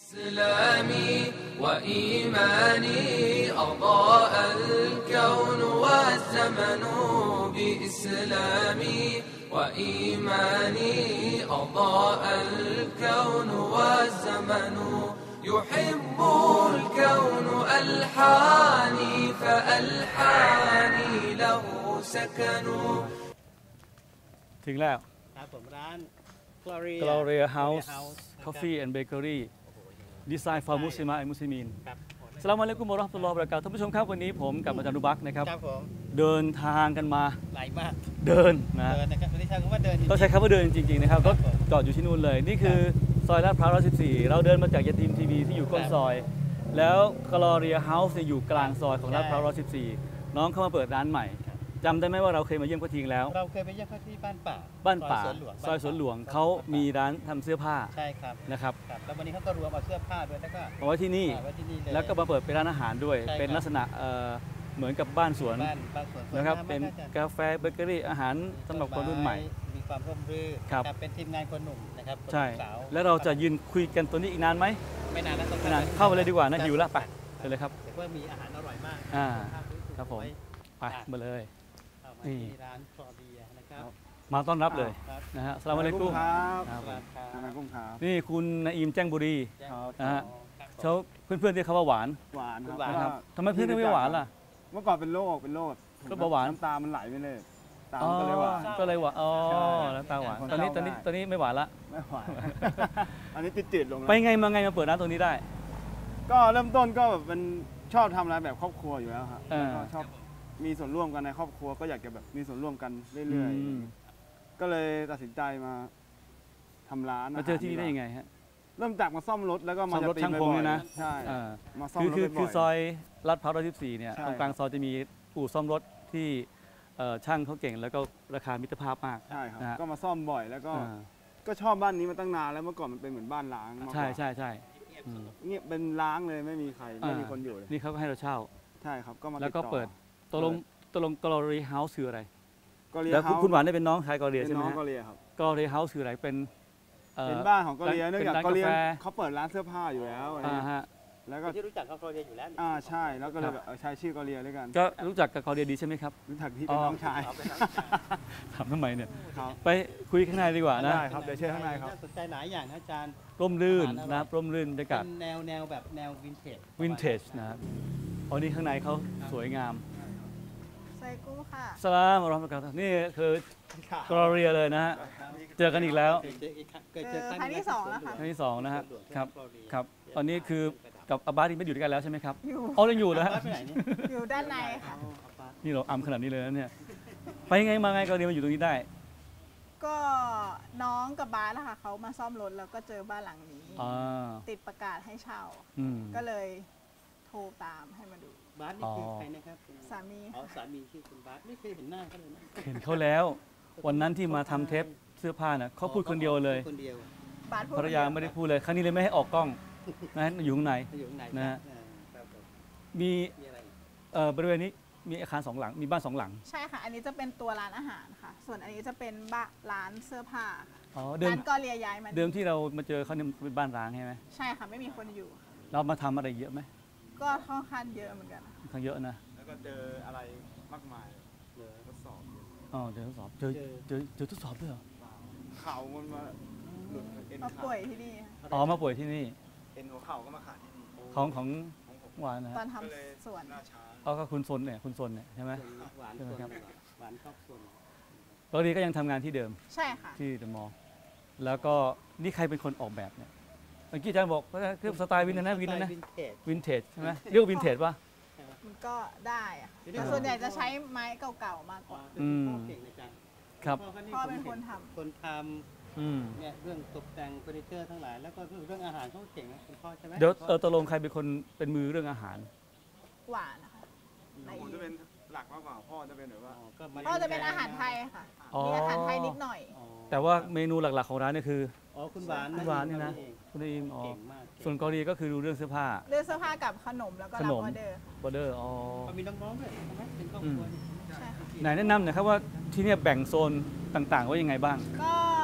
إسلامي وإيماني أضاء الكون والزمن بإسلامي وإيماني أضاء الكون والزمن يحب الكون ألحاني فألحاني له سكن ถึงแล้วครับผมร้าน Gloria House Coffee and Bakery ดีไซน์ for Muslim and Muslimin สลามอะลัยกุมวะเราะห์มะตุลลอฮิวะบะเราะกาตุฮ์ท่านผู้ชมครับวันนี้ผมกับอาจารย์นุบักนะครับเดินทางกันมาไกลมากเดินนะครับไม่ได้ใช้คำว่าเดินต้องใช้คำว่าเดินจริงๆนะครับรถจอดอยู่ที่นู่นเลยนี่คือซอยลาดพร้าว114เราเดินมาจากยาตีมทีวีที่อยู่ก้นซอยแล้ว Gloria House อยู่กลางซอยของลาดพร้าว114น้องเข้ามาเปิดร้านใหม่จำได้ไหมว่าเราเคยมาเยี่ยมเขาทิ้งแล้วเราเคยไปเยี่ยมเขาที่บ้านป่าซอยสวนหลวงเขามีร้านทำเสื้อผ้าใช่ครับนะครับแล้ววันนี้เขาก็รวมเอาเสื้อผ้าด้วยแล้วก็เอาไว้ที่นี่แล้วก็มาเปิดเป็นร้านอาหารด้วยเป็นลักษณะเหมือนกับบ้านสวนนะครับเป็นกาแฟเบเกอรี่อาหารสำหรับคนรุ่นใหม่มีความร่มรื่นเป็นทีมงานคนหนุ่มนะครับใช่แล้วเราจะยืนคุยกันตัวนี้อีกนานไหมไม่นานแล้วเข้าไปเลยดีกว่านะหิวแล้วไปเลยครับแต่ว่ามีอาหารอร่อยมากครับผมไปมาเลยนี่ร้านคลอเดียนะครับมาต้อนรับเลยนะฮะสลามอะลัยกุมครับนี่คุณนาอิมแจ้งบุรีนะฮะเขาเพื่อนๆที่เขาว่าหวานครับทำไมเพื่อนไม่หวานล่ะเมื่อก่อนเป็นโรคก็เบาหวานน้ำตามันไหลไปเลยตาก็เลยหวานอ๋อน้ำตาหวานตอนนี้ไม่หวานละไม่หวานอันนี้จืดลงไปไงมาเปิดร้านตรงนี้ได้ก็เริ่มต้นก็แบบมันชอบทำอะไรแบบครอบครัวอยู่แล้วครับก็ชอบมีส่วนร่วมกันในครอบครัวก็อยากจะแบบมีส่วนร่วมกันเรื่อยๆก็เลยตัดสินใจมาทำร้านมาเจอที่นี่ได้ยังไงฮะเริ่มจากมาซ่อมรถแล้วก็มารถช่างพงเนี่ยนะใช่มาซ่อมรถคือซอยลาดพร้าว114เนี่ยตรงกลางซอยจะมีอู่ซ่อมรถที่ช่างเขาเก่งแล้วก็ราคามิตรภาพมากใช่ครับก็มาซ่อมบ่อยแล้วก็ชอบบ้านนี้มาตั้งนานแล้วเมื่อก่อนมันเป็นเหมือนบ้านล้างใช่เงียบเป็นล้างเลยไม่มีใครไม่มีคนอยู่เลยนี่เขาก็ให้เราเช่าใช่ครับก็มาแล้วก็เปิดตกลงGloria House คืออะไรแล้วคุณหวานได้เป็นน้องชาย Gloria ใช่ไหมน้อง Gloria ครับ Gloria House คืออะไรเป็นบ้านของGloriaเนื่องจากGloriaเขาเปิดร้านเสื้อผ้าอยู่แล้วแล้วก็ที่รู้จักกับGloriaอยู่แล้วใช่แล้วก็เลยแบบใช้ชื่อGloriaด้วยกันก็รู้จักกับGloriaดีใช่ไหมครับรู้จักที่เป็นน้องชายถามทำไมเนี่ยไปคุยข้างในดีกว่านะได้ครับเดี๋ยวเชิญข้างในครับสนใจหลายอย่างนะอาจารย์ร่มรื่นนะร่มรื่นบรรยากาศแนวแบบแนววินเทจนะครับอ๋อนี่ข้างในเขาสวยงามไซกุ้งค่ะสลามอัลลอฮฺมะกาตนี่คือกรอเรียเลยนะฮะเจอกันอีกแล้วครั้งที่2แล้วค่ะครั้งที่2นะฮะครับตอนนี้คือกับอาบาสที่ไม่อยู่ด้วยกันแล้วใช่ไหมครับอ๋อยังอยู่นะอยู่ด้านในค่ะนี่เราขนาดนี้เลยนะเนี่ยไปไงมาไงกรอเรียมาอยู่ตรงนี้ได้ก็น้องกับบาสนะคะเขามาซ่อมรถแล้วก็เจอบ้านหลังนี้ติดประกาศให้เช่าก็เลยโทรตามให้มาดูบาสนี่คือใครนะครับสามีสามีชื่อคุณบาสไม่เคยเห็นหน้าเขาเลยนะเห็นเขาแล้ววันนั้นที่มาทำเทปเสื้อผ้าน่ะเขาพูดคนเดียวเลยภรรยาไม่ได้พูดเลยครั้งนี้เลยไม่ให้ออกกล้องนะอยู่ข้างในนะฮะมีบริเวณนี้มีอาคาร2 หลังมีบ้าน2 หลังใช่ค่ะอันนี้จะเป็นตัวร้านอาหารค่ะส่วนอันนี้จะเป็นร้านเสื้อผ้าร้านก็เลียย้ายมาเดิมที่เรามาเจอเขาเนี่ยเป็นบ้านร้างใช่ไหมใช่ค่ะไม่มีคนอยู่เรามาทำอะไรเยอะไหมก็ค่อนข้างเยอะเหมือนกันค่อนข้างเยอะนะแล้วก็เจออะไรมากมายทดสอบเจอทดสอบเจอทดสอบด้วยเหรอเข่ามันมาหลุดมาป่วยที่นี่มาป่วยที่นี่เอ็นหัวเข่าก็มาขาดที่นี่ของหวานนะตอนทำสวนก็คุณซนเนี่ยใช่ไหมใช่ไหมครับหวานชอบซนตอนนี้ก็ยังทำงานที่เดิมใช่ค่ะที่เดอะมอลล์แล้วก็นี่ใครเป็นคนออกแบบเนี่ยเมื่อกี้อาจารย์บอกว่าคือสไตล์วินเทจใช่ไหมเรียกว่าวินเทจป่ะมันก็ได้อะแต่ส่วนใหญ่จะใช้ไม้เก่าๆมากกว่าครับพ่อเป็นคนทำเนี่ยเรื่องตกแต่งเฟอร์นิเจอร์ทั้งหลายแล้วก็เรื่องอาหารเขาเก่งนะคุณพ่อใช่ไหมเดี๋ยวตกลงใครเป็นคนเป็นมือเรื่องอาหารหวานนะคะผมจะเป็นหลักมากกว่าพ่อจะเป็นแบบว่าพ่อจะเป็นอาหารไทยค่ะมีอาหารไทยนิดหน่อยแต่ว่าเมนูหลักๆของร้านนี่คือคุณหวานนี่นะคุณอิมส่วนเกาหลีก็คือดูเรื่องเสื้อผ้ากับขนมแล้วก็รับออเดอร์มีน้องๆด้วยใช่ไหมเป็นครอบครัวไหนแนะนำหน่อยครับว่าที่นี่แบ่งโซนต่างๆว่ายังไงบ้างก็อั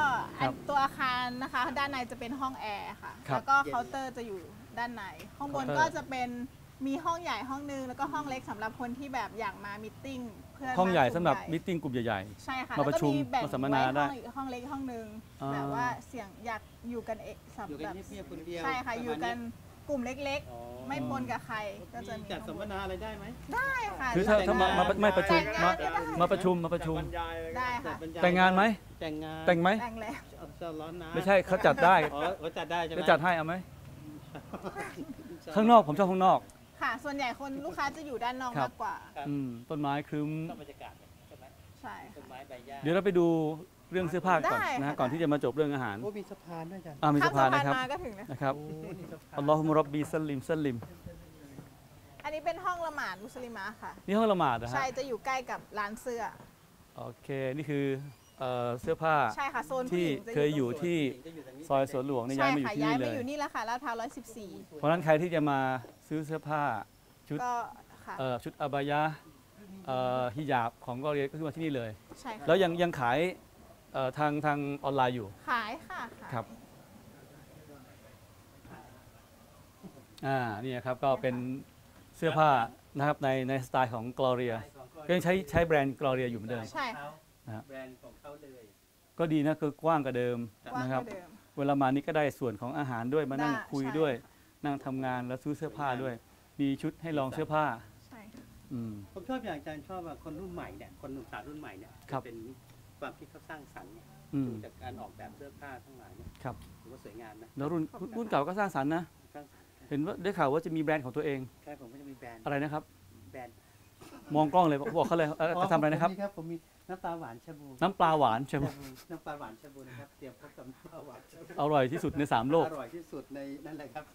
ตัวอาคารนะคะด้านในจะเป็นห้องแอร์ค่ะแล้วก็เคาน์เตอร์จะอยู่ด้านในห้องบนก็จะเป็นมีห้องใหญ่ห้องนึงแล้วก็ห้องเล็กสำหรับคนที่แบบอยากมามิทติ้งเพื่อนห้องใหญ่สำหรับมิทติ้งกลุ่มใหญ่ๆใช่ค่ะมาประชุมมาสัมมนาได้ห้องเล็กห้องนึงแบบว่าเสียงอยากอยู่กันเองสำหรับใช่ค่ะอยู่กันกลุ่มเล็กๆไม่ปนกับใครก็จะมีจัดสัมมนาอะไรได้ไหมได้ค่ะคือถ้ามาไม่ประชุมมาประชุมได้ค่ะแต่งงานไหมแต่งไหมแต่งแล้วไม่ใช่เขาจัดได้เขาจัดได้ใช่ไหมจะจัดให้เอาไหมข้างนอกผมชอบข้างนอกค่ะส่วนใหญ่คนลูกค้าจะอยู่ด้านนอกมากกว่าต้นไม้ครึ้มบรรยากาศใช่ไหมใช่ต้นไม้ใบหญ้าเดี๋ยวเราไปดูเรื่องเสื้อผ้าก่อนนะก่อนที่จะมาจบเรื่องอาหารมีสะพานด้วยจ้ะมีสะพานนะครับนะครับอัลลอฮุมรับบีซัลลิมซัลลิมอันนี้เป็นห้องละหมาดมุสลิมะค่ะนี่ห้องละหมาดนะฮะใช่จะอยู่ใกล้กับร้านเสื้อโอเคนี่คือเสื้อผ้าใช่ค่ะโซนที่เคยอยู่ที่ซอยสวนหลวงนี่ย้ายมาอยู่ที่นี่เลยย้ายมาอยู่นี่แล้วค่ะลาดพร้าว114 เพราะฉะนั้นใครที่จะมาซื้อเสื้อผ้าชุดชุดอาบายะฮิญาบของกอเรียก็คือมาที่นี่เลยใช่ค่ะแล้วยังขายทางออนไลน์อยู่ขายค่ะครับนี่ครับก็เป็นเสื้อผ้านะครับในสไตล์ของกอเรียก็ยังใช้แบรนด์กอเรียอยู่เหมือนเดิมใช่ค่ะแบรนด์ของเขาเลยก็ดีนะคือกว้างกว่าเดิมนะครับเวลามานี่ก็ได้ส่วนของอาหารด้วยมานั่งคุยด้วยนั่งทำงานแล้วซื้อเสื้อผ้าด้วยมีชุดให้ลองเสื้อผ้าใช่ผมชอบอย่างอาจารย์ชอบว่าคนรุ่นใหม่เนี่ยคนหนุ่มสาวรุ่นใหม่เนี่ยเป็นความคิดเขาสร้างสรรค์เนี่ยจากการออกแบบเสื้อผ้าทั้งหลายเนี่ยถือว่าสวยงามนะแล้วรุ่นเก่าก็สร้างสรรค์นะเห็นว่าได้ข่าวว่าจะมีแบรนด์ของตัวเองใช่ผมก็จะมีแบรนด์อะไรนะครับแบรนด์มองกล้องเลยบอกเขาเลยจะทำอะไรนะครับผมมีน้ำปลาหวานชาบูน้ำปลาหวานชาบูน้ำปลาหวานชาบูนะครับเตรียมพบกับน้ำปลาหวานอร่อยที่สุดใน3โลกอร่อยที่สุดในนั่นแหละครับ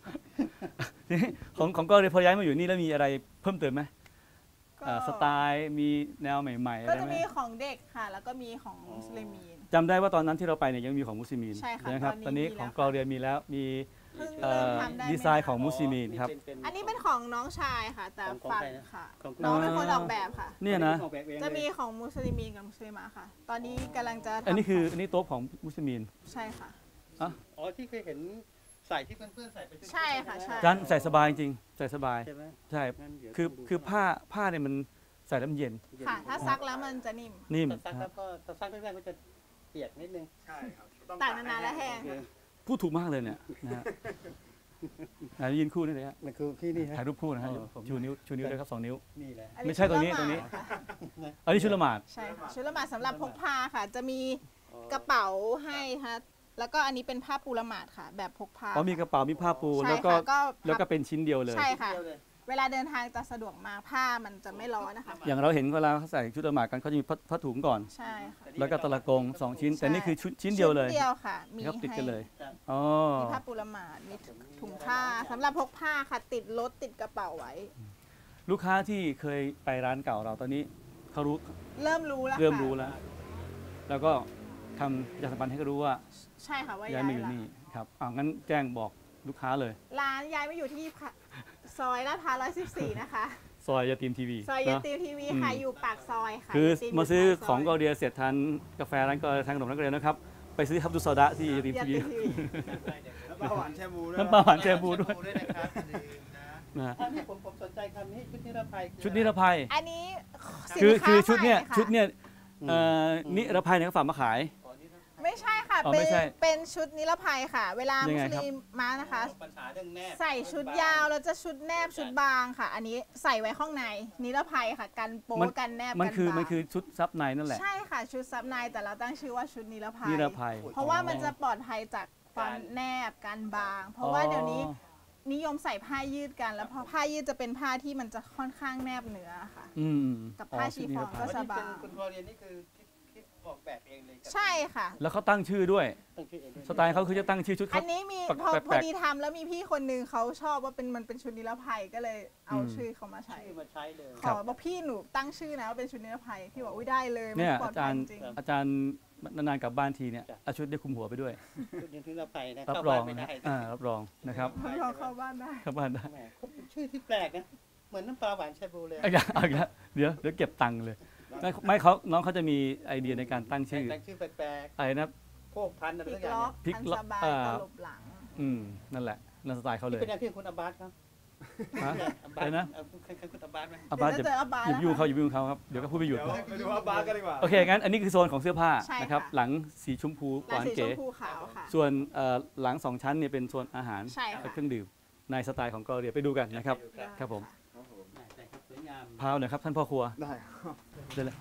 ของก็เลยพอย้ายมาอยู่นี่แล้วมีอะไรเพิ่มเติมไหมสไตล์มีแนวใหม่ๆก็จะมีของเด็กค่ะแล้วก็มีของมุสลิมีนจำได้ว่าตอนนั้นที่เราไปเนี่ยยังมีของมุสลิมีนใช่ค่ะนะครับตอนนี้ของกอเรียมีแล้วมีดีไซน์ของมุสลิมีนครับอันนี้เป็นของน้องชายค่ะแต่ฝันค่ะน้องเป็นคนออกแบบค่ะเนี่ยนะจะมีของมุสลิมีนกับมุสลิมะค่ะตอนนี้กำลังจะอันนี้โต๊ะของมุสลิมีนใช่ค่ะอ๋อที่เคยเห็นใส่ที่เพื่อนๆใส่ไปใช่ค่ะใช่จานใส่สบายจริงใส่สบายใช่คือผ้าเนี่ยมันใส่แล้วมันเย็นค่ะถ้าซักแล้วมันจะนิ่มซักแล้วก็ซักแรกๆก็จะเปียกนิดนึงใช่ครับตากนานๆแล้วแห้งพูดถูกมากเลยเนี่ยนะฮะยืนคู่นี่เลยฮะมันคือพี่นี่ถ่ายรูปคู่นะฮะชูนิ้วด้วยครับ2 นิ้วนี่แหละไม่ใช่ตรงนี้อันนี้ชุดละหมาดใช่ค่ะชุดละหมาดสำหรับพกพาค่ะจะมีกระเป๋าให้ค่ะแล้วก็อันนี้เป็นผ้าปูละหมาดค่ะแบบพกพามีกระเป๋ามีผ้าปูแล้วก็เป็นชิ้นเดียวเลยใช่ค่ะเวลาเดินทางจะสะดวกมากผ้ามันจะไม่ร้อนนะคะอย่างเราเห็นเวลาเขาใส่ชุดละหมาดกันเขาจะมีผ้าถุงก่อนใช่ค่ะแล้วก็ตะละกง2 ชิ้นแต่นี่คือชิ้นเดียวเลยเดียวค่ะมีติดกันเลยมีผ้าปูละหมาดมีถุงผ้าสำหรับพกผ้าค่ะติดรถติดกระเป๋าไว้ลูกค้าที่เคยไปร้านเก่าเราตอนนี้เขาเริ่มรู้แล้วแล้วก็ทำประชาสัมพันธ์ให้เขารู้ว่าใช่ค่ะว่าย้ายมาอยู่นี่ครับงั้นแจ้งบอกลูกค้าเลยร้านย้ายมาอยู่ที่ซอยลาดพร้าว114นะคะซอยยาตีมทีวีซอยยาตีมทีวีค่ะอยู่ปากซอยค่ะคือมาซื้อของกอเรียเสร็จทานกาแฟร้านก็ทานขนมร้านกอเรียนะครับไปซื้อฮับดุซอดะที่ยาตีมทีวีน้ำปลาหวานแชบูด้วยนะอันนี้ผมสนใจคำนี้ชุดนิรภัยชุดนิรภัยอันนี้คือชุดเนี้ยนิรภัยเนี่ยเขาฝากมาขายไม่ใช่ค่ะเป็นชุดนิรภัยค่ะเวลามุสลิมมานะคะใส่ชุดยาวแล้วจะชุดแนบชุดบางค่ะอันนี้ใส่ไว้ข้างในนิรภัยค่ะกันโป๊กันแนบมันคือชุดซับในนั่นแหละใช่ค่ะชุดซับในแต่เราตั้งชื่อว่าชุดนิรภัยเพราะว่ามันจะปลอดภัยจากความแนบกันบางเพราะว่าเดี๋ยวนี้นิยมใส่ผ้ายืดกันแล้วพอผ้ายืดจะเป็นผ้าที่มันจะค่อนข้างแนบเนื้อค่ะกับผ้าชีฟองก็สบายคุณพอเรียนนี่คือออกแบบเองเลยใช่ค่ะแล้วเขาตั้งชื่อด้วยสไตล์เขาคือจะตั้งชื่อชุดอันนี้มีพอดีทำแล้วมีพี่คนนึงเขาชอบว่ามันเป็นชุดนิรภัยก็เลยเอาชื่อเขามาใช้เลยขอบอกพี่หนูตั้งชื่อนะว่าเป็นชุดนิรภัยพี่บอกอุ้ยได้เลยเนี่ยอาจารย์นานๆกลับบ้านทีเนี่ยเอาชุดได้คุมหัวไปด้วยชุดนิรภัยนะรับรองรับรองนะครับเข้าบ้านได้ชื่อที่แปลกนะเหมือนน้ำปลาหวานชาบูเลยเดี๋ยวเก็บตังค์เลยไม่น้องเขาจะมีไอเดียในการตั้งชื่อแปลกๆอะไรนะโคกพันอะไรพลิสักกอย่างล็อกพลิกพันล็อกสบายตลบหลังนั่นแหละนั่นสไตล์เขาเลยเป็นอย่างที่คุณอาบาสครับฮะอะไรนะเคยคุณอาบาสไหมอาบาสเดี๋ยวจะเจออาบาสอย่าไปยุ่งนะคะเขาอย่าไปยุ่งเขาครับเดี๋ยวก็พูดไม่หยุดเดี๋ยวไปดูว่าบาร์กันดีกว่าโอเคงั้นอันนี้คือโซนของเสื้อผ้าใช่ค่ะนะครับหลังสีชมพูหวานสีชเก๋มพูขาวค่ะส่วนหลัง2ชั้นเนี่ยเป็นโซนอาหารใช่ค่ะและเครื่องดื่มในสไตล์ของเกาหลีไปดูกันนะครับครับผมใช่ครับสวยงามพาวหน่อยครับท่านพ่อครัวได้เดี๋ยวเลย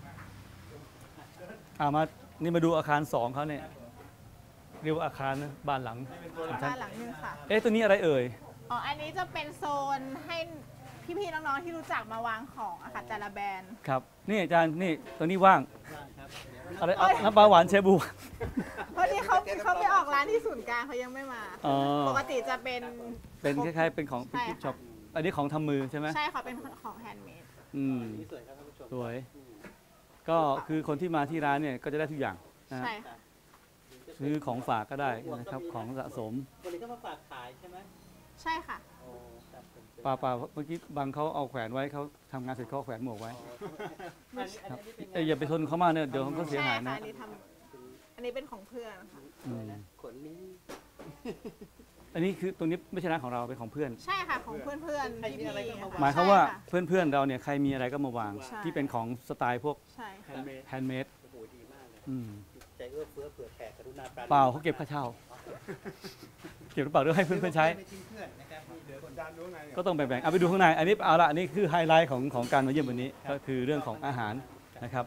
มานี่มาดูอาคาร2เขาเนี่ยเรียกว่าอาคารนะบ้านหลังสองชั้นบ้านหลังนึงค่ะตัวนี้อะไรเอ่ยอ๋อ อันนี้จะเป็นโซนให้พี่ๆน้องๆที่รู้จักมาวางของอะค่ะแต่ละแบรนด์ครับนี่อาจารย์นี่ตัวนี้ว่างครับอะไรน้ำปลาหวานเชบูเพราะที่เขาไปออกร้านที่ศูนย์กลางเขายังไม่มาอ๋อปกติจะเป็นเป็นคล้ายๆเป็นของเป็นใช่กิฟต์ช็อปค่ะอันนี้ของทำมือใช่ไหมใช่ค่ะเป็นของแฮนด์เมดนี่สวยครับท่านผู้ชมสวย ก็คือคนที่มาที่ร้านเนี่ยก็จะได้ทุกอย่างนะฮะใช่ค่ะซื้อของฝากก็ได้นะครับของสะสมวันนี้ก็มาฝากขายใช่ไหมใช่ค่ะโอ้ครับผมป่าเมื่อกี้บางเขาเอาแขวนไว้เขาทำงานเสร็จเขาเอาแขวนหมวกไว้ อย่าไปทนเขามากเนี่ยเดี๋ยวเขาก็เสียใช่หายค่ะนะอันนี้เป็นของเพื่อนค่ะอืมขนนี้อันนี้คือตรงนี้ไม่ใช่ร้านของเราเป็นของเพื่อนใช่ค่ะของเพื่อนๆพี่ๆหมายความว่าใช่ค่ะเพื่อนๆเราเนี่ยใครมีอะไรก็มาวางใช่ที่เป็นของสไตล์พวกใช่ค่ะแฮนด์เมดโอ้โหดีมากเลยอืมใจเอื้อเฟื้อเผื่อแผ่กรุณาปราณีเปล่าเขาเก็บค่าเช่า เก็บหรือเปล่าเรื่องให้เพื่อนๆใช้ไม่ทิ้งเพื่อนนะครับนี่เหลือคนจานดูข้างในเนี่ยก็ต้องแบ่งๆเอาไปดูข้างในอันนี้เอาละอันนี้คือไฮไลท์ของการมาเยี่ยมวันนี้ก็คือเรื่องของอาหารนะครับ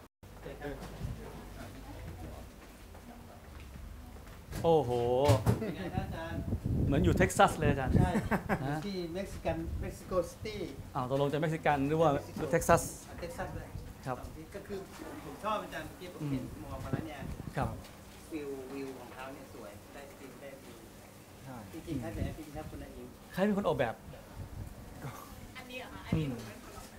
โอ้โหเป็นไงครับอาจารย์เหมือนอยู่เท็กซัสเลยอาจารย์ใช่ฮะที่เม็กซิโกซิตี้ตกลงจะเม็กซิกันหรือว่าเท็กซัสเท็กซัสเลยครับก็คือผมชอบอาจารย์ที่ผมเห็นมองมาแล้วเนี่ยครับวิวของเขาเนี่ยสวยได้จริงได้ดีใช่จริงๆครับแต่จริงๆครับคุณนายอิงใครเป็นคนออกแบบอันนี้เหรอคะอันนี้หนูเป็นคนออกแบบ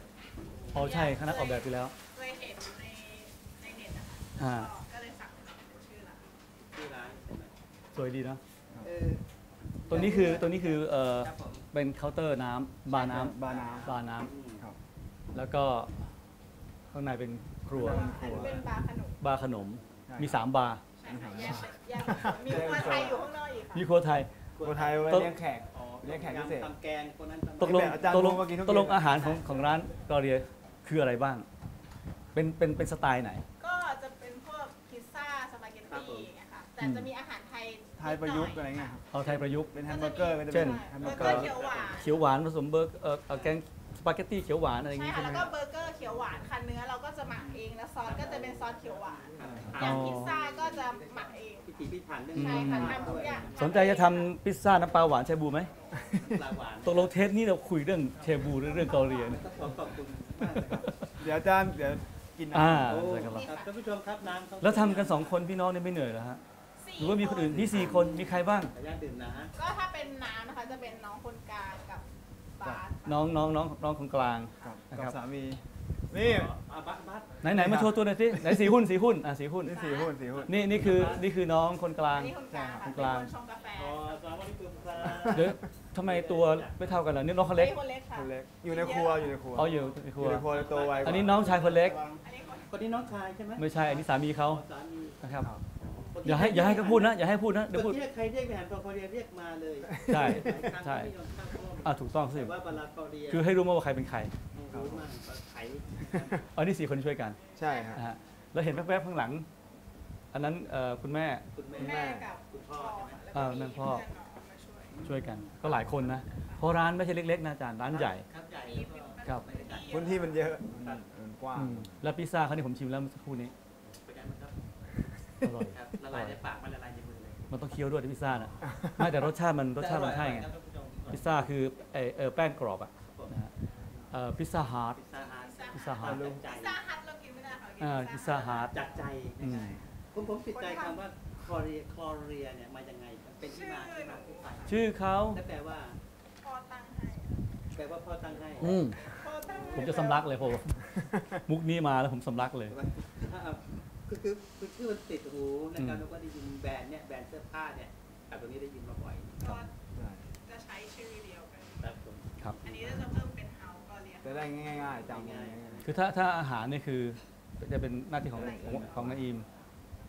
อ๋อใช่คณะออกแบบไปแล้วเคยเห็นในเน็ตนะคะอ่าก็เลยสั่งเป็นชื่อร้านที่ร้านใช่ไหมสวยดีนะเออตัวนี้คือครับผมเป็นเคาน์เตอร์น้ำบาร์น้ำบาร์น้บาร์น้อืมำครับำแล้วก็ข้างในเป็นครัวอันนี้เป็นบาร์ขนมบาร์ขนมใช่มี3บาร์ใช่ค่ะแยกมีครัวไทยอยู่ข้างนอกอีกค่ะมีครัวไทยคนไทยไว้ต้นเลี้ยงแขกอ๋อเลี้ยงแขกพิเศษทำแกงคนนั้นทำตกลงแบบอาจารย์ตกลงพูดเมื่อกี้ทุกตกลงเย็นอาหารของร้านกอเรียคืออะไรบ้าง เป็นสไตล์ไหนก็จะเป็นพวกพิซซ่าสปาเกตตี้อย่างเงี้ยค่ะแต่จะมีอาหารไทยไทยประยุกต์อะไรเงี้ยครับเอาไทยประยุกต์เป็นแฮมเบอร์เกอร์ก็จะเช่เป็นนแฮมเบเบออร์ร์เกเกออร์ร์เขียวหวานเขียวหวานผสมแกงสปาเกตตี้เขียวหวานอะไรอย่างใช่งี้ค่ะใช่ไหมแล้วก็เบอร์เกอร์เขียวหวานค่ะเนื้อเราก็จะหมักเองแล้วซอสก็จะเป็นซอสเขียวหวานอย่างพิซซ่าก็จะหมักเองพิถีพิถันเรื่องใช่ค่ะทำทุกอย่างสนใจจะทำพิซซ่าน้ำปลาหวานเชบูไหมปลาหวานตกลงเทปนี้เราคุยเรื่องเชบูหรือเรื่องเกาหลีเนี่ยก็ขอบคุณมากเลยครับเดี๋ยวอาจารย์เดี๋ยวกินอ่าโอ้ใช่ครับครับท่านผู้ชมครับน้ำเขาแล้วทำกัน2คนพี่น้องเนี่ยไม่เหนื่อยเหรอฮะหรือว่ามีคนอื่นมี4คนมีใครบ้างขออนุญาตดื่มนะก็ถ้าเป็นน้ำนะคะจะเป็นน้องคนกลางกับบาสน้องคนกลางครับนะคกัรับบ สามี นี่บัสไหนมาโชว์ตัวหน่อยสิไหนสีหุ้นสีหุ้นสีหุ้นนี่สี่หุ้นสี่หุ้นนี่คือน้องคนกลางอันนี้คนกลางค่ะคนเป็นกลางคนชงกาแฟอ๋อสวัสดีคุณครับเดี๋ยวทำไมตัวไม่เท่ากันล่ะนี่น้องคนเล็กคนเล็กค่ะคนเล็กอยู่ในครัวอยู่ในครัวอ๋ออยู่ในคอรัวยู่ในครัวเลยโตไวกว่าอันนี้น้องชายคนเล็กอันนี้คนคนนี้น้องชายใช่ไหมไม่ใช่อันนี้สามีเขาสามีนะครับครับอย่าให้เขาพูดนะอย่าให้พูดนะเดี๋ยวเมื่พูอดกี้ใครเรียกไปหันพอเรียเรียกมาเลยใช่หลายครั้งใช่ไม่ยอมเข้าร่วมถูกต้องสิแต่ว่าบาลาคอเรียคือให้รู้มาว่าใครเป็นใครรู้มากไขอันนี้4คนช่วยกันใช่ครับนะฮะแล้วเห็นแวบๆข้างหลัง อันนั้นคุณแม่คุณแม่กับคุณพ่อใช่ไหมแล้วก็มีนั่นพ่อเพื่อนน้องมาช่วยช่วยกัน ก็หลายคนนะเพราะร้านไม่ใช่เล็กๆนะอาจารย์ร้านใหญ่ครับใหญ่ครับพื้นที่มันเยอะมันกว้างแล้วพิซซ่าเขานี่ผมชิมแล้วเมื่อสักครู่นี้เป็นไงบ้างครับอร่อยครับละลายในปากมันละลายในมือเลยมันต้องเคี้ยวด้วยที่พิซซ่าน่ะไม่แต่รสชาติมันใช่ไงครับท่านผู้ชมพิซซ่าคือแป้งกรอบอ่ะนะฮะพิซซ่าฮาร์ดพิซซ่าฮาร์ทพิซซ่าฮาร์ดจัดใจพิซซ่าฮัทเรากินไม่ได้ค่ะกินพิซซ่าฮาร์ดจัดใจอืมผมติดใจคำว่าคอเรียเนี่ยมายังไงครับเป็นที่มาที่ไปชื่อเขาและแปลว่าพ่อตั้งให้แปลว่าพ่อตั้งให้พ่อตั้งให้ผมจะสำลักเลยผมมุกนี้มาแล้วผมสำลักเลยคือมันติดหูนะครับแล้วก็ได้ยินแบรนด์เนี่ยแบรนด์เสื้อผ้าเนี่ยแต่ตรงนี้ได้ยินมาบ่อยก็จะใช้ชื่อเดียวกันครับผมครับอันนี้จะเพิ่มเป็นเฮาส์ก็เรียกจะได้ง่ายๆจำง่ายคือถ้าอาหารนี่คือจะเป็นหน้าที่ของนาอิม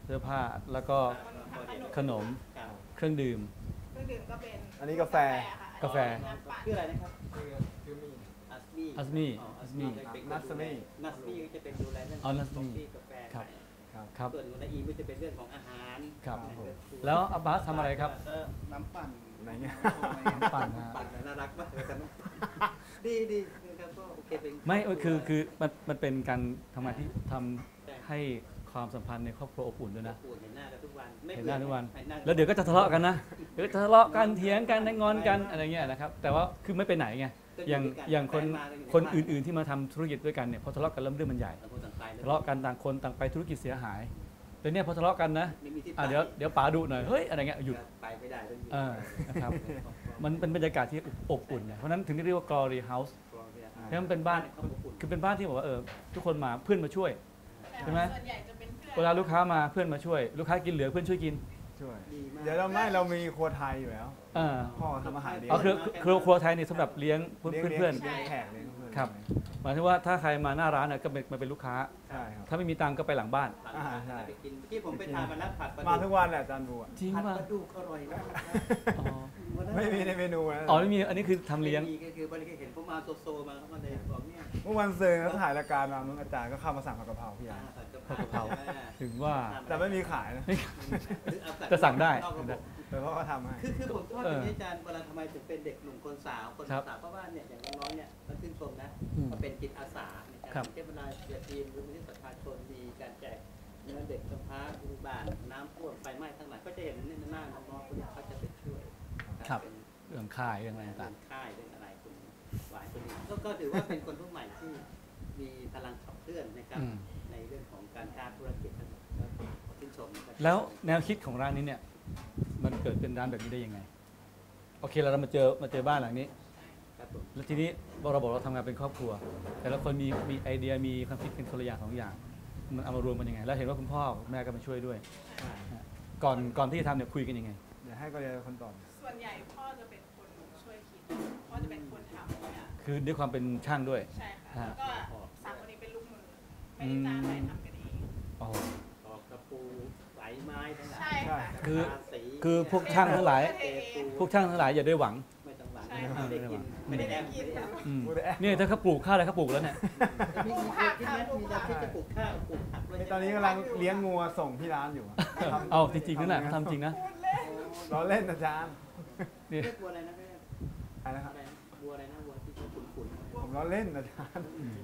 เสื้อผ้าแล้วก็ขนมเครื่องดื่มก็เป็นอันนี้กาแฟกาแฟชื่ออะไรนะครับอัสมี่นัสมี่จะเป็นดูแลเรื่องของกาแฟครับส่วนในอีก็จะเป็นเรื่องของอาหารครับแล้วอับบาสทำอะไรครับน้ำปั่นอะไรเงี้ยน้ำปั่นน่ารักมากเลยกันดีครับก็โอเคเป็นไม่คือมันเป็นการทำงานที่ทำให้ความสัมพันธ์ในครอบครัวอบอุ่นด้วยนะเห็นหน้ากันทุกวันแล้วเดี๋ยวก็จะทะเลาะกันนะเดี๋ยวทะเลาะกันเถียงกันงอนกันอะไรเงี้ยนะครับแต่ว่าคือไม่ไปไหนไงอย่างคนอื่นๆที่มาทำธุรกิจด้วยกันเนี่ยพอทะเลาะกันแล้วเรื่องมันใหญ่ทะเลาะกันต่างคนต่างไปธุรกิจเสียหายแต่เนี่ยพอทะเลาะกันนะเดี๋ยวป๋าดุหน่อยเฮ้ยอะไรเงี้ยหยุดไปไม่ได้นะครับมันเป็นบรรยากาศที่อบอุ่นเนี่ยเพราะนั้นถึงเรียกว่า Glory House เพราะมันเป็นบ้านคือเป็นบ้านที่บอกว่าทุกคนมาเพื่อนมาช่วยใช่ไหมเวลาลูกค้ามาเพื่อนมาช่วยลูกค้ากินเหลือเพื่อนช่วยกินเดี๋ยวเรามีครัวไทยอยู่แล้วพ่อทำอาหารเลี้ยงคือครัวไทยนี่สำหรับเลี้ยงเพื่อนแขกเลี้ยงเพื่อนครับหมายถึงว่าถ้าใครมาหน้าร้านก็มาเป็นลูกค้าถ้าไม่มีตังก็ไปหลังบ้านใช่ที่ผมไปทานมาแล้วผัดมาทุกวันแหละอาจารย์บัวจริงป่ะผัดปลาดุกอร่อยมากไม่มีในเมนูนะไม่มีอันนี้คือทำเลี้ยงคือบริการเห็นผมมาโซมาเขามาเลยบอกเนี่ยเมื่อวันเซอร์เขาถ่ายรายการมาอาจารย์ก็เข้ามาสั่งผัดกะเพราพี่อาร์ผัดกะเพราถึงว่าแต่ไม่มีขายนะจะสั่งได้เพราะเขาทำให้คือผมชอบที่อาจารย์เวลาทำไมถึงเป็นเด็กหนุ่มคนสาวเพราะว่าเนี่ยอย่างน้องเนี่ยมันชื่นชมนะมาเป็นจิตอาสาในการเก็บเวลาเยียทีมหรือมิตรประชาชนมีการแจกเงินเด็กกำพร้าอุบาทน้ำท่วมไฟไหม้ทั้งหลายก็จะเห็นในหน้าน้องๆคนนี้เขาจะไปช่วยเรื่องค่ายเรื่องอะไรต่างค่ายเรื่องอะไรคุณหวายคนนี้ก็ถือว่าเป็นคนรุ่นใหม่ที่มีพลังขับเคลื่อนนะครับในเรื่องของการค้าธุรกิจทั้งหมดชื่นชมแล้วแนวคิดของร้านนี้เนี่ยมันเกิดเป็นร้านแบบนี้ได้ยังไงโอเคเรามาเจอบ้านหลังนี้แล้วทีนี้เราบอกเราทำงานเป็นครอบครัวแต่ละคนมีไอเดียมีความคิดเป็นคนละอย่าง2อย่างมันเอามารวมกันยังไงแล้วเห็นว่าคุณพ่อแม่ก็มาช่วยด้วยก่อนที่จะทำเนี่ยคุยกันยังไงเดี๋ยวให้ก็เรียนคนต่อส่วนใหญ่พ่อจะเป็นคนช่วยคิดพ่อจะเป็นคนทำเนี่ยคือด้วยความเป็นช่างด้วยใช่ค่ะแล้วก็3 คนนี้เป็นลูกมือไม่ได้จ้างใครทำกันเองตอกตะปูไหลไม้ทั้งหลายใช่ค่ะคือพวกช่างทั้งหลายอย่าได้หวังไม่ได้กินเนี่ยถ้าเขาปลูกข้าวอะไรเขาปลูกแล้วเนี่ยปลูกผักที่จะปลูกข้าวปลูกผักตอนนี้กำลังเลี้ยงงัวส่งที่ร้านอยู่เอาจริงๆนั่นแหละทำจริงนะล้อเล่นอาจารย์นี่บัวอะไรนะอะไรนะครับบัวอะไรนะบัวที่ขุ่นผมล้อเล่นอาจารย์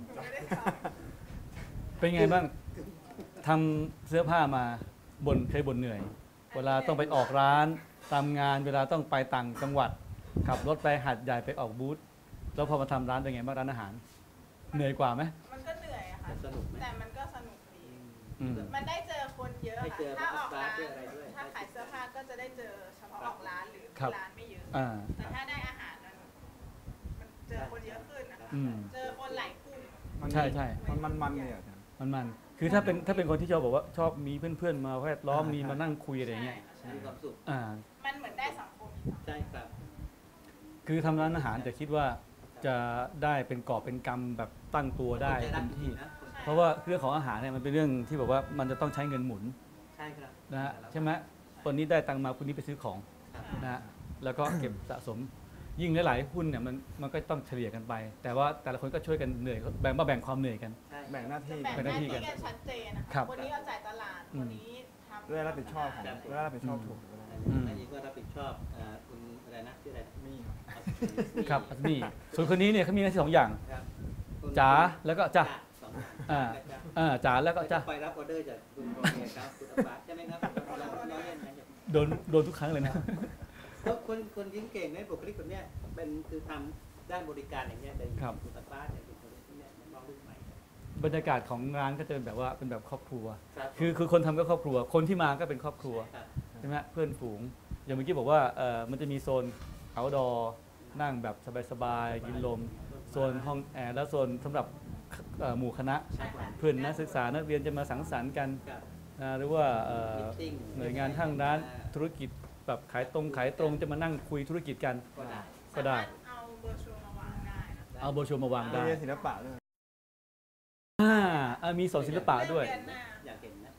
เป็นไงบ้างทำเสื้อผ้ามาเคยบ่นเหนื่อยเวลาต้องไปออกร้านตามงานเวลาต้องไปต่างจังหวัดขับรถไปหาดใหญ่ไปออกบูธแล้วพอมาทำร้านเป็นไงบ้างร้านอาหารเหนื่อยกว่าไหมมันก็เหนื่อยอะค่ะแต่มันก็สนุกดีมันได้เจอคนเยอะค่ะถ้าออกร้านถ้าขายเสื้อผ้าก็จะได้เจอเฉพาะออกร้านหรือร้านไม่เยอะแต่ถ้าได้อาหารมันเจอคนเยอะขึ้นนะคะเจอคนหลายกลุ่มใช่มันเนี่ยมันคือถ้าเป็นคนที่ชอบบอกว่าชอบมีเพื่อนๆมาแวดล้อมมีมานั่งคุยอะไรอย่างเงี้ยมีความสุขมันเหมือนได้สังคมใช่ครับคือทำร้านอาหารจะคิดว่าจะได้เป็นกอบเป็นกำแบบตั้งตัวได้เต็มที่เพราะว่าเรื่องของอาหารเนี่ยมันเป็นเรื่องที่แบบว่ามันจะต้องใช้เงินหมุนใช่ครับนะฮะใช่ไหมคนนี้ได้ตังมาคนนี้ไปซื้อของนะฮะแล้วก็เก็บสะสมยิ่งหลายๆหุ้นเนี่ยมันก็ต้องเฉลี่ยกันไปแต่ว่าแต่ละคนก็ช่วยกันเหนื่อยแบ่งความเหนื่อยกันแบ่งหน้าที่กันชัดเจนนะคะคนนี้เอาจ่ายตลาดคนนี้ทำด้วยรับผิดชอบถูกอันนี้ก็รับผิดชอบคุณอะไรนะชื่ออะไรมี่ครับอัศมีส่วนคนนี้เนี่ยเขามีหน้าที่2 อย่างจ๋าแล้วก็จ้าจ๋าแล้วก็จ้าไปรับออเดอร์จากคุณโรเนียครับคุณอับบาสใช่ไหมครับโดนทุกครั้งเลยนะคนยิ้มเก่งในบุคลิกคนนี้เป็นคือทำด้านบริการอย่างเงี้ยแต่คุณอับบาสเนี่ยเป็นคนที่เนี่ยน้องรุ่นใหม่บรรยากาศของร้านก็จะเป็นแบบว่าเป็นแบบครอบครัวคือคนทำก็ครอบครัวคนที่มาก็เป็นครอบครัวใช่ไหมเพื่อนฝูงอย่างเมื่อกี้บอกว่ามันจะมีโซนoutdoor นั่งแบบสบายๆกินลมโซนห้องแอร์แล้วโซนสำหรับหมู่คณะเพื่อนนักศึกษานักเรียนจะมาสังสรรค์กันหรือว่าหน่วยงานทางด้านธุรกิจแบบขายตรงจะมานั่งคุยธุรกิจกันก็ได้เอาโบรชัวร์มาวางได้เอาโบรชัวร์มาวางได้ศิลปะด้วยมีสอนศิลปะด้วยอยากเห็นนะ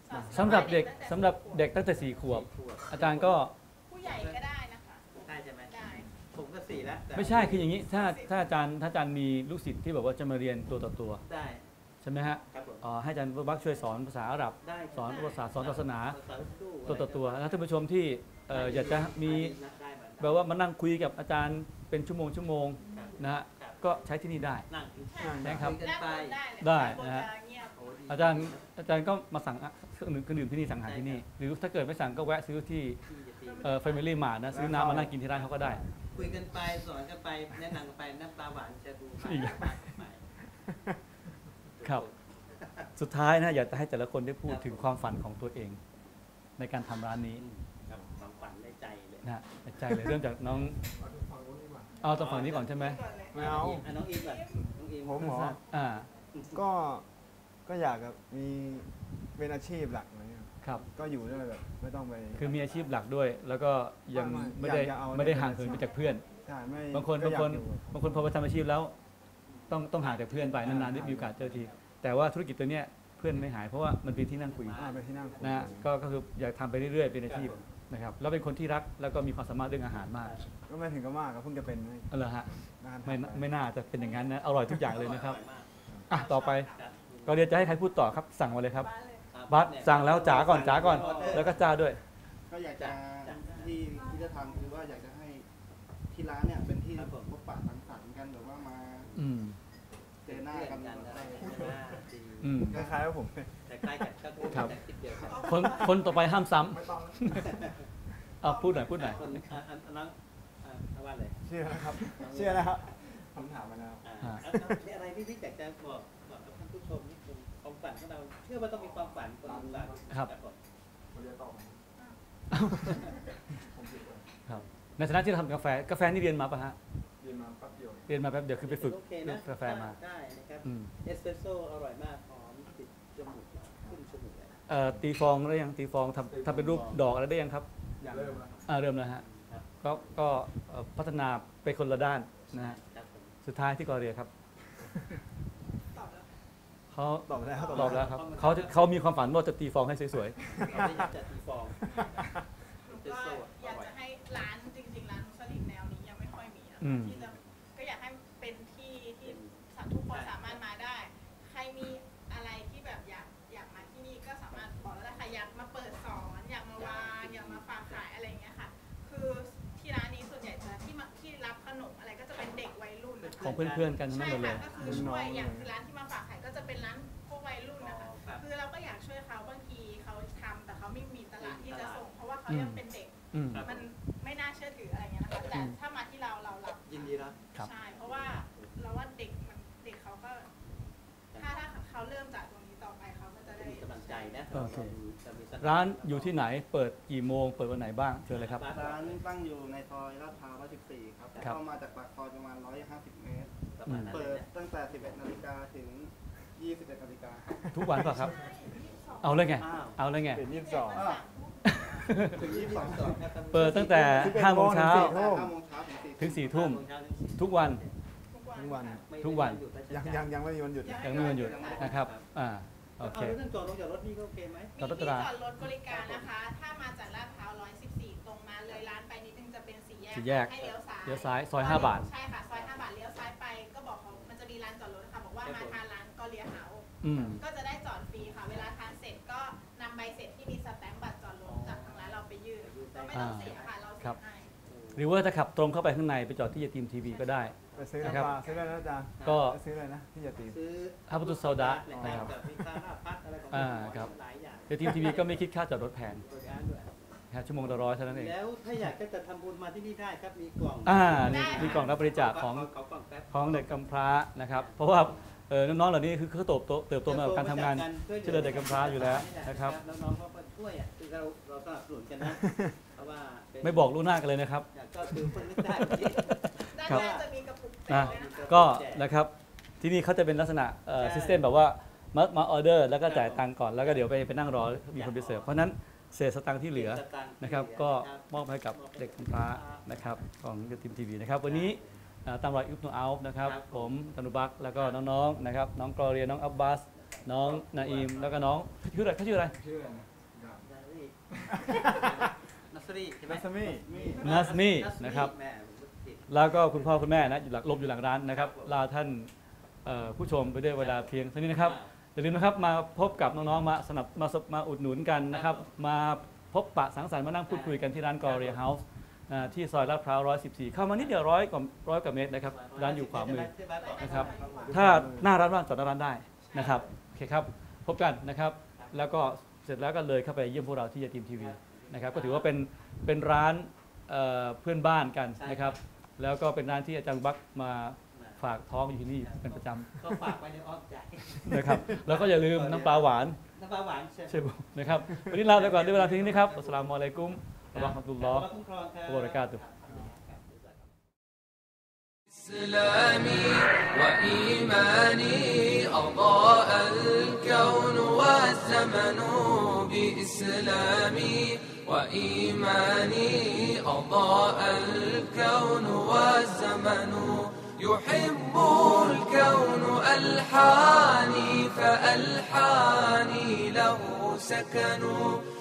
สำหรับเด็กตั้งแต่4 ขวบ อาจารย์ก็ผู้ใหญ่ก็ได้นะคะได้ใช่ไหมได้ผมก็4แล้วแต่ไม่ใช่คืออย่างนี้ถ้าอาจารย์มีลูกศิษย์ที่แบบว่าจะมาเรียนตัวต่อตัวได้ใช่ไหมฮะครับผมให้อาจารย์บักช่วยสอนภาษาอาหรับได้สอนภาษาสอนศาสนาสอนสู้ตัวต่อตัวแล้วท่านผู้ชมที่อยากจะมีได้เหมือนกันแบบว่ามานั่งคุยกับอาจารย์เป็นชั่วโมงครับนะฮะครับก็ใช้ที่นี่ได้นั่งนะครับคุยกันไปได้นะฮะเงียบโอ้ดีอาจารย์ก็มาสั่งเครื่องดื่มที่นี่สั่งอาหารที่นี่ หรือถ้าเกิดไม่สั่งก็แวะซื้อที่ที่จะตี Family Mart นะซื้อน้ำมานั่งกินที่ร้านเขาก็ได้คุยกันไปสอนกันไปแนะนำกันไปน้ำตาหวานจะดูไปอีกไปครับ สุดท้ายนะอยากจะให้แต่ละคนได้พูดถึงความฝันของตัวเอง ในการทำร้านนี้ครับความฝันในใจเลยนะฮะใจเลยเริ่มจากน้องเอาตรงฝั่งนี้ก่อนใช่ไหมไม่เอาน้องอีฟก่อนน้องอีฟผมเหรออ่าก็อยากแบบมีเป็นอาชีพหลักอะไรเงี้ยครับก็อยู่ด้วยแบบไม่ต้องไปคือมีอาชีพหลักด้วย แล้วก็ยังไม่ไม่ได้อยากจะเอาไม่ได้ห่างเหินไปจากเพื่อนใช่ไม่บางคนก็อยากอยู่พอไปทำอาชีพแล้ว ต้องห่างจากเพื่อนไปนานๆได้มีโอกาสเจอที แต่ว่าธุรกิจตัวเนี้ยเพื่อนไม่หายเพราะว่ามันเป็นที่นั่งคุยไปที่นั่งคุยนะฮะก็คืออยากทำไปเรื่อยๆเป็นอาชีพนะครับแล้วเป็นคนที่รักแล้วก็มีความสามารถเรื่องอาหารมากก็ไม่ถึงกับมากครับเพิ่งจะเป็นไม่เอาเหรอฮะนานไม่น่าจะเป็นอย่างนั้นนะอร่อยทุกอย่างเลยนะครับออยมากอ่ะต่อไปก็เดี๋ยวจะให้ใครพูดต่อครับสั่งมาเลยครับครับบัสสั่งแล้วจ๋าก่อนแล้วก็จ้าด้วยก็อยากจะที่จะทำคือว่าอยากจะให้ที่ร้านเนี่ยเป็นที่พบปะสังสรรค์กันแบบว่ามาอืมเจอหน้ากันกันอะไรกันหน้าดีอืมคล้ายๆว่าผมแต่คล้ายกันก็คือครับแต่คิดเดียวกันคนต่อไปห้ามซ้ำเอาพูดหน่อยคนน้องว่าเลยเชื่อนะครับเชื่อนะครับผมถามมาแล้วมีอะไรที่พี่อยากจะบอกกับท่านผู้ชมนี่คือความฝันของเราเชื่อว่าต้องมีความฝันคนมีฝันครับผมครับในฐานะที่เราทำกาแฟนี่เรียนมาป่ะฮะเรียนมาแป๊บเดียวเรียนมาแป๊บเดียวคือไปฝึกโอเคเรื่นะองกาแฟมาได้นะครับอืมเอสเปรสโซ่อร่อยมากหอมติดจมูกขึ้นจมูกเลยตีฟองได้ยังตีฟองทำเป็นรูปดอกอะไรได้ยังครับอย่างเริ่มแล้วเริ่มแล้วฮะครับก็พัฒนาไปคนละด้านนะฮะครับผมสุดท้ายที่กอเรียครับเขาตอบแล้วตอบแล้วครับเขามีความฝันว่าจะตีฟองให้สวยเราไม่อยากจะตีฟองก็อยากจะให้ร้านจริงๆร้านมุสลิมแนวนี้ยังไม่ค่อยมีนะอืมที่จะก็อยากให้เป็นที่ที่ทุกคนสามารถมาได้ ใครมีอะไรที่แบบอยากมาที่นี่ก็สามารถบอกได้ค่ะอยากมาเปิดสอนอยากมาวางอยากมาฝากขายอะไรอย่างเงี้ยค่ะ คือที่ร้านนี้ส่วนใหญ่จะที่รับขนมอะไรก็จะเป็นเด็กวัยรุ่นนะๆของเพื่อนๆกันทั้งใช่นั้นหมดเลค่ะยก็คือช่วยอย่างคือร้านที่มาฝากขายก็จะเป็นร้านพวกวัยรุ่นนะคะ คือเราก็อยากช่วยเขาบางทีเขาทำแต่เขาไม่มีตลาดที่จะส่ง เพราะว่าเขายังเป็นเด็กอืมมันไม่น่าเชื่อถืออะไรเงี้ยนะคะแต่ถ้ามาที่เรารับยินดีรับครับใช่เพราะว่าเราว่าเด็กเขาก็ถ้าเขาเริ่มจากตรงนี้ต่อไปเขาก็จะได้มีกำลังใจนะโอเคจะมีสติร้านอยู่ที่ไหนเปิดกี่โมงเปิดวันไหนบ้างเชิญเลยครับร้านตั้งอยู่ในซอยลาดพร้าว 114 ครับครับเข้ามาจากปากซอยประมาณ 150 เมตรประมาณนั้นเปิเลยดนะตั้งแต่ 11 นาฬิกาถึง 21 นาฬิกาทุกวันป่ะครับ เอาเลยไงอ้าวเอาเลยไงเป็น22 ถึง 22 ครับเปิดตั้งแต่5 โมงเช้า 5 โมงเช้าถึงถึง4 ทุ่ม 5 ทุกวันทุกวันทุกวันยังไม่มีวันหยุดยังไม่มีวันหยุดนะครับโอเคเอาเรื่องจอดรถนี่ก็โอเคไหมจอดรถมีที่จอดรถบริการนะคะ ถ้ามาจากลาดพร้าว 114 ตรงมาเลยร้านไปนิดนึงจะเป็นสี่สี่แยกให้เลี้ยวซ้ายเลี้ยวซ้ายซอย5 บาทใช่ค่ะ ซอย 5 บาท เลี้ยวซ้ายไป ก็บอกเขามันจะมีร้านจอดรถค่ะ บอกว่ามาทานร้านก็เลียเฮาส์อืมก็จะได้จอดฟรีค่ะ เวลาทานเสร็จก็นำใบเสร็จที่มีสแตมป์บัตรจอดรถจากทางร้านเราไปยื่นก็ไม่ต้องเสียค่ะ เราเสียให้หรือว่าถ้าขับตรงเข้าไปข้างในไปจอดที่ยาตีมทีวีก็ได้ไปซื้อนะครับน้ำปลาซื้ออะไรนะอาจารย์ก็ไปซื้ออะไรนะที่จะตีซื้อฮับตุสโซดะนะครับมีค่าหน้าพักอะไรของครับหลายอย่างยาตีมทีวีก็ไม่คิดค่าจอดรถแพงบริการด้วยครับชั่วโมงละ100เท่านั้นเองแล้วถ้าอยากจะทำบุญมาที่นี่ได้ครับมีกล่องนี่มีกล่องรับบริจาคของขอกล่องแป๊บของเด็กกำพร้านะครับ เพราะว่าน้องๆเหล่านี้คือเขาเติบโตมากับการทำงานช่วยเหลือเด็กกำพร้าอยู่แล้วนะครับแล้วน้องเขาก็ช่วยอ่ะคือเราสนับสนุนกันนะเพราะว่าเป็นไม่บอกล่วงหน้ากันเลยนะครับก็คือคนนึกได้ด้านครับหน้าจะมีกระปุกแจกด้วยนะคะก็นะครับที่นี่เขาจะเป็นลักษณะซิสเต็มแบบว่ามาออเดอร์แล้วก็จ่ายตังค์ก่อนแล้วก็เดี๋ยวไปนั่งรอมีคนไปเสิร์ฟเพราะฉะนั้นเศษสตังค์ที่เหลือนะครับก็มอบให้กับเด็กกำพร้านะครับของยาทีมทีวีนะครับวันนี้ตามรอยอิบโนอัลนะครับผมตนุบักแล้วก็น้องๆนะครับน้องกรอเรียน้องอับบาสน้องนาอิมแล้วก็น้องชื่ออะไรเขาชื่ออะไรนัสรีใช่ไหมนัสมีนะครับแล้วก็คุณพ่อคุณแม่นะอยู่หลบอยู่หลังร้านนะครับลาท่านผู้ชมไปด้วยเวลาเพียงเท่านี้นะครับอย่าลืมนะครับมาพบกับน้องๆมาอุดหนุนกันนะครับมาพบปะสังสรรค์มานั่งพูดคุยกันที่ร้านกอเรียเฮาส์ที่ซอยลาดพร้าว114เข้ามานิดเดียว100 กว่าเมตรนะครับร้านอยู่ขวามือนะครับถ้าหน้าร้านว่างจอดหน้าร้านได้นะครับโอเคครับพบกันนะครับแล้วก็เสร็จแล้วก็เลยเข้าไปเยี่ยมพวกเราที่ยาทีมทีวีนะครับก็ถือว่าเป็นร้านเพื่อนบ้านกันนะครับแล้วก็เป็นร้านที่อาจารย์บักมาฝากท้องอยู่ที่นี่เป็นประจำก็ฝากไว้ในอ้อมใจนะครับแล้วก็อย่าลืมน้ำปลาหวานใช่ไหมนะครับวันนี้ลาไปก่อนด้วยเวลาเพียงนี้ครับอัสสลามุอะลัยกุมวะเราะห์มะตุลลอฮ์วะบะเราะกาตุฮ์ إسلامي وإيماني أضاء الكون والزمن بإسلامي وإيماني أضاء الكون والزمن يحب الكون ألحاني فألحاني له سكن